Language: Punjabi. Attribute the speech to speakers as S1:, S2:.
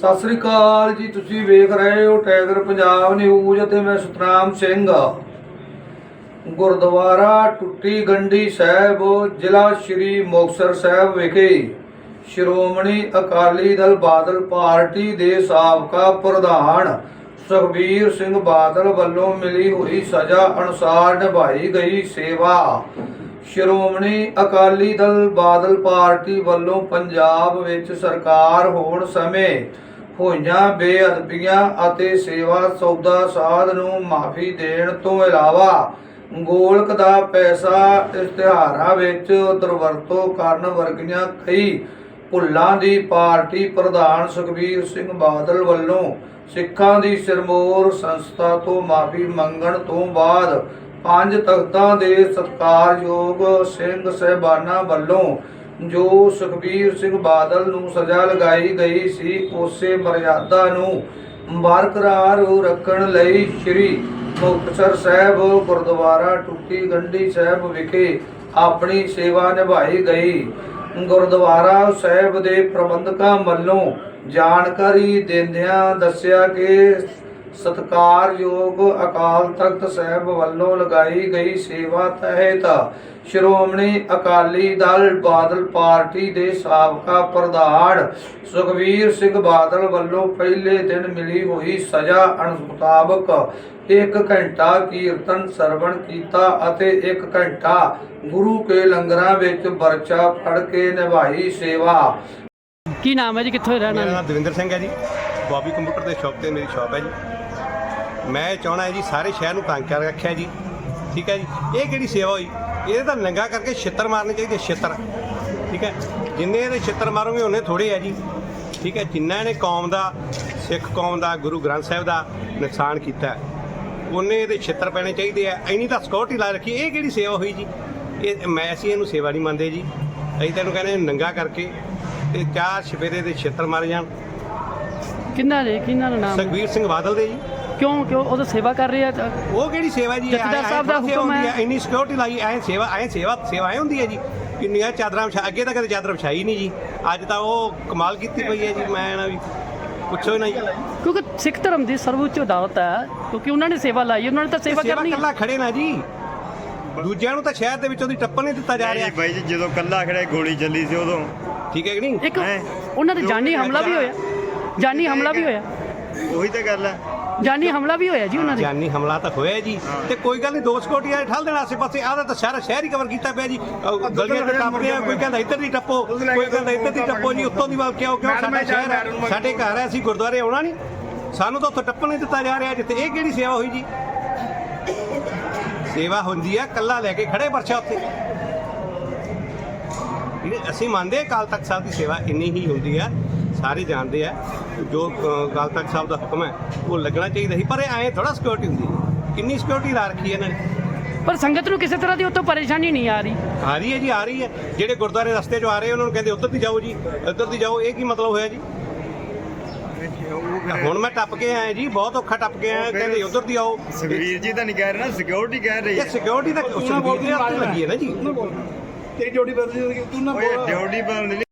S1: ਸਤਿ ਸ੍ਰੀ ਅਕਾਲ ਜੀ। ਤੁਸੀਂ ਵੇਖ ਰਹੇ ਹੋ ਟਾਈਗਰ ਪੰਜਾਬ ਨਿਊਜ਼ ਅਤੇ ਮੈਂ ਸਤਨਾਮ ਸਿੰਘ। ਗੁਰਦੁਆਰਾ ਟੁੱਟੀ ਗੰਢੀ ਸਾਹਿਬ, ਜ਼ਿਲ੍ਹਾ ਸ਼੍ਰੀ ਮੁਕਤਸਰ ਸਾਹਿਬ ਵਿਖੇ ਸ਼੍ਰੋਮਣੀ ਅਕਾਲੀ ਦਲ ਬਾਦਲ ਪਾਰਟੀ ਦੇ ਸਾਬਕਾ ਪ੍ਰਧਾਨ ਸੁਖਬੀਰ ਸਿੰਘ ਬਾਦਲ ਵੱਲੋਂ ਮਿਲੀ ਹੋਈ ਸਜ਼ਾ ਅਨੁਸਾਰ ਨਿਭਾਈ ਗਈ ਸੇਵਾ। ਸ਼੍ਰੋਮਣੀ ਅਕਾਲੀ ਦਲ ਬਾਦਲ ਪਾਰਟੀ ਵੱਲੋਂ ਪੰਜਾਬ ਵਿੱਚ ਸਰਕਾਰ ਹੋਣ ਸਮੇਂ ਹੋਈਆਂ ਬੇਅਦਬੀਆਂ ਅਤੇ ਸੇਵਾ ਸੌਦਾ ਸਾਧ ਨੂੰ ਮਾਫੀ ਦੇਣ ਤੋਂ ਇਲਾਵਾ ਗੋਲਕ ਦਾ ਪੈਸਾ ਇਸ਼ਤਿਹਾਰਾਂ ਵਿੱਚ ਦੁਰਵਰਤੋਂ ਕਰਨ ਵਰਗੀਆਂ ਕਈ ਭੁੱਲਾਂ ਦੀ ਪਾਰਟੀ ਪ੍ਰਧਾਨ ਸੁਖਬੀਰ ਸਿੰਘ ਬਾਦਲ ਵੱਲੋਂ ਸਿੱਖਾਂ ਦੀ ਸਿਰਮੌਰ ਸੰਸਥਾ ਤੋਂ ਮਾਫੀ ਮੰਗਣ ਤੋਂ ਬਾਅਦ 5 ਤਖ਼ਤਾਂ ਦੇ ਸਤਿਕਾਰਯੋਗ ਸਿੰਘ ਸਾਹਿਬਾਨਾਂ ਵੱਲੋਂ ਜੋ ਸੁਖਬੀਰ ਸਿੰਘ ਬਾਦਲ ਨੂੰ ਸਜ਼ਾ ਲਗਾਈ ਗਈ ਸੀ ਉਸੇ ਮਰਿਆਦਾ ਨੂੰ ਬਰਕਰਾਰ ਰੱਖਣ ਲਈ ਸ੍ਰੀ ਮੁਕਤਸਰ ਸਾਹਿਬ ਗੁਰਦੁਆਰਾ ਟੁੱਟੀ ਗੰਢੀ ਸਾਹਿਬ ਵਿਖੇ ਆਪਣੀ ਸੇਵਾ ਨਿਭਾਈ ਗਈ। ਗੁਰਦੁਆਰਾ ਸਾਹਿਬ ਦੇ ਪ੍ਰਬੰਧਕਾਂ ਵੱਲੋਂ ਜਾਣਕਾਰੀ ਦਿੰਦਿਆਂ ਦੱਸਿਆ ਕਿ ਸਤਿਕਾਰਯੋਗ ਅਕਾਲ ਤਖਤ ਸਾਹਿਬ ਵੱਲੋਂ ਲਗਾਈ ਗਈ ਸੇਵਾ ਤਹਿਤ ਸ਼੍ਰੋਮਣੀ ਅਕਾਲੀ ਦਲ ਬਾਦਲ ਪਾਰਟੀ ਦੇ ਸਾਬਕਾ ਪ੍ਰਧਾਨ ਸੁਖਬੀਰ ਸਿੰਘ ਬਾਦਲ ਵੱਲੋਂ ਪਹਿਲੇ ਦਿਨ ਮਿਲੀ ਹੋਈ ਸਜ਼ਾ ਮੁਤਾਬਕ 1 ਘੰਟਾ ਕੀਰਤਨ ਸਰਵਣ ਕੀਤਾ ਅਤੇ 1 ਘੰਟਾ ਗੁਰੂ ਕੇ ਲੰਗਰਾਂ ਵਿੱਚ ਵਰਚਾ ਫੜ ਕੇ ਨਿਭਾਈ ਸੇਵਾ।
S2: ਕੀ ਨਾਮ ਹੈ ਜੀ, ਕਿੱਥੋਂ ਰਹਿਣਾ?
S3: ਮੇਰਾ ਨਾਮ ਦਵਿੰਦਰ ਸਿੰਘ ਹੈ ਜੀ। ਬੌਬੀ ਕੰਪਿਊਟਰ ਦੇ ਸ਼ਾਪ ਤੇ ਮੇਰੀ ਸ਼ਾਪ ਹੈ ਜੀ। ਮੈਂ ਚਾਹਣਾ ਹੈ ਜੀ ਸਾਰੇ ਸ਼ਹਿਰ ਨੂੰ ਤੰਗ ਕਰ ਰੱਖਿਆ ਜੀ, ਠੀਕ ਹੈ ਜੀ। ਇਹ ਕਿਹੜੀ ਸੇਵਾ ਹੋਈ? ਇਹਦੇ ਤਾਂ ਨੰਗਾ ਕਰਕੇ ਛਿੱਤਰ ਮਾਰਨੇ ਚਾਹੀਦੇ, ਛਿੱਤਰ, ਠੀਕ ਹੈ। ਜਿੰਨੇ ਇਹਦੇ ਛਿੱਤਰ ਮਾਰੋਗੇ ਉਹਨੇ ਥੋੜੇ ਹੈ ਜੀ, ਠੀਕ ਹੈ। ਜਿੰਨਾ ਇਹਨੇ ਕੌਮ ਦਾ, ਸਿੱਖ ਕੌਮ ਦਾ, ਗੁਰੂ ਗ੍ਰੰਥ ਸਾਹਿਬ ਦਾ ਨੁਕਸਾਨ ਕੀਤਾ ਉਹਨੇ ਇਹਦੇ ਛਿੱਤਰ ਪੈਣੇ ਚਾਹੀਦੇ ਆ। ਇੰਨੀ ਤਾਂ ਸਿਕਿਉਰਟੀ ਲਾ ਰੱਖੀ, ਇਹ ਕਿਹੜੀ ਸੇਵਾ ਹੋਈ ਜੀ? ਅਸੀਂ ਇਹਨੂੰ ਸੇਵਾ ਨਹੀਂ ਮੰਨਦੇ ਜੀ। ਅਸੀਂ ਤੈਨੂੰ ਕਹਿੰਦੇ ਨੰਗਾ ਕਰਕੇ ਤੇ 4 ਛਪੇਰੇ ਦੇ ਛਿੱਤਰ ਮਾਰੇ ਜਾਣ।
S2: ਕਿੰਨਾ ਦਾ ਨਾਮ?
S3: ਸੁਖਬੀਰ ਸਿੰਘ ਬਾਦਲ ਦੇ ਜੀ।
S2: ਕਿਉਂ ਉਹ ਤਾਂ ਸੇਵਾ ਕਰ ਰਹੇ ਆ?
S3: ਉਹ ਕਿਹੜੀ ਸੇਵਾ ਜੀ?
S2: ਜਥੇਦਾਰ ਸਾਹਿਬ ਦਾ ਹੁਕਮ ਹੈ।
S3: ਇੰਨੀ ਸਿਕਿਉਰਿਟੀ ਲਾਈ, ਸੇਵਾ ਹੁੰਦੀ ਹੈ ਜੀ। ਕਿੰਨੀਆਂ ਚਾਦਰਾਂ ਅੱਗੇ ਤਾਂ ਕਦੇ ਚਾਦਰ ਵਿਛਾਈ ਨਹੀਂ ਜੀ, ਅੱਜ ਤਾਂ ਉਹ ਕਮਾਲ ਕੀਤੀ ਪਈ ਹੈ ਜੀ। ਮੈਂ ਨਾ ਵੀ ਪੁੱਛੋ ਨਾ ਜੀ,
S2: ਕਿਉਂਕਿ ਸਿੱਖ ਧਰਮ ਦੀ ਸਰਵਉੱਚ ਅਦਾਲਤ ਹੈ, ਕਿਉਂਕਿ ਉਹਨਾਂ ਨੇ ਸੇਵਾ ਲਾਈ, ਉਹਨਾਂ ਨੇ ਤਾਂ ਸੇਵਾ ਕਰਨੀ।
S3: ਕੱਲਾ ਖੜੇ ਨਾ ਜੀ, ਦੂਜਿਆਂ ਨੂੰ ਤਾਂ ਸ਼ਹਿਰ ਦੇ ਵਿੱਚੋਂ ਦੀ ਟੱਪਣ ਨਹੀਂ ਦਿੱਤਾ ਜਾ ਰਿਹਾ
S4: ਬਾਈ ਜੀ। ਜਦੋਂ ਕੱਲਾ ਖੜਾ ਗੋਲੀ ਚੱਲੀ ਸੀ ਉਦੋਂ,
S3: ਠੀਕ ਹੈ ਕਿ ਨਹੀਂ?
S2: ਇੱਕ ਉਹਨਾਂ ਦੇ ਜਾਨੀ ਹਮਲਾ ਵੀ ਹੋਇਆ, ਜਾਨੀ ਹਮਲਾ ਵੀ ਹੋਇਆ,
S4: ਉਹੀ ਤਾਂ ਗੱਲ ਹੈ।
S2: ਜਾਨੀ ਹਮਲਾ ਵੀ ਹੋਇਆ ਜੀ ਉਹਨਾਂ ਦੇ।
S3: ਜਾਨੀ ਹਮਲਾ ਤਾਂ ਹੋਇਆ ਜੀ, ਤੇ ਕੋਈ ਗੱਲ ਨਹੀਂ। 2 ਸਿਕਿਉਰਟੀ ਵਾਲੇ ਠੱਲ ਦੇਣ ਆਸੇ ਪਾਸੇ, ਆਹ ਤਾਂ ਸਾਰਾ ਸ਼ਹਿਰ ਹੀ ਕਵਰ ਕੀਤਾ ਪਿਆ ਜੀ। ਗਲੀਆਂ ਤੇ ਟੱਪਦੇ ਆ, ਕੋਈ ਕਹਿੰਦਾ ਇੱਧਰ ਦੀ ਟੱਪੋ, ਕੋਈ ਕਹਿੰਦਾ ਇੱਧਰ ਦੀ ਟੱਪੋ ਜੀ। ਉੱਤੋਂ ਦੀ ਵੱਲ ਕਿਉਂ ਸਾਡਾ ਸ਼ਹਿਰ ਹੈ, ਸਾਡੇ ਘਰ ਹੈ, ਅਸੀਂ ਗੁਰਦੁਆਰੇ ਆਉਣਾ ਨਹੀਂ, ਸਾਨੂੰ ਤਾਂ ਉੱਥੋਂ ਟੱਪਣ ਨਹੀਂ ਦਿੱਤਾ ਜਾ ਰਿਹਾ ਜਿੱਥੇ। ਇਹ ਕਿਹੜੀ ਸੇਵਾ ਹੋਈ ਜੀ? ਸੇਵਾ ਹੁੰਦੀ ਆ ਕੱਲਾ ਲੈ ਕੇ ਖੜੇ ਪਰਚਾ ਉੱਥੇ। ਅਸੀਂ ਮੰਨਦੇ ਅਕਾਲ ਤਖਤ ਸਾਹਿਬ ਦੀ ਸੇਵਾ ਇੰਨੀ ਹੀ ਹੁੰਦੀ ਆ, ਸਾਰੇ ਜਾਣਦੇ ਆ। ਜੋ ਅਕਾਲ ਤਖਤ ਸਾਹਿਬ ਦਾ ਹੁਕਮ ਹੈ ਉਹ ਲੱਗਣਾ ਚਾਹੀਦਾ ਸੀ, ਪਰ ਇਹ ਐਂ ਥੋੜਾ ਸਿਕਿਉਰਿਟੀ ਹੁੰਦੀ ਹੈ। ਕਿੰਨੀ ਸਿਕਿਉਰਿਟੀ ਲਾ ਰੱਖੀ ਹੈ ਇਹਨਾਂ ਨੇ।
S2: ਪਰ ਸੰਗਤ ਨੂੰ ਕਿਸੇ ਤਰ੍ਹਾਂ ਦੀ ਉੱਥੋਂ ਪਰੇਸ਼ਾਨੀ ਨਹੀਂ ਆ ਰਹੀ।
S3: ਆ ਰਹੀ ਹੈ ਜੀ, ਆ ਰਹੀ ਹੈ। ਜਿਹੜੇ ਗੁਰਦੁਆਰੇ ਰਸਤੇ 'ਚੋਂ ਆ ਰਹੇ ਉਹਨਾਂ ਨੂੰ ਕਹਿੰਦੇ ਉੱਧਰ ਦੀ ਜਾਓ ਜੀ, ਇੱਧਰ ਦੀ ਜਾਓ। ਇਹ ਕੀ ਮਤਲਬ ਹੋਇਆ ਜੀ? ਹੁਣ ਮੈਂ ਟੱਪ ਕੇ ਆਇਆ ਜੀ, ਬਹੁਤ ਔਖਾ ਟੱਪ ਕੇ ਆਇਆ। ਕਹਿੰਦੇ ਉੱਧਰ ਦੀ ਆਓ।
S4: ਸੁਖਬੀਰ ਜੀ ਤਾਂ ਨਹੀਂ ਕਹਿ ਰਹੇ ਨਾ, ਸਿਕਿਉਰਿਟੀ ਕਹਿ ਰਹੀ ਹੈ।
S3: ਸਿਕਿਉਰਿਟੀ ਤਾਂ ਸੁਖਬੀਰ ਦੇ ਹੱਥ ਲੱਗੀ ਹੈ ਨਾ ਜੀ।
S4: ਡਿਊਟੀ ਬਦਲਣੀ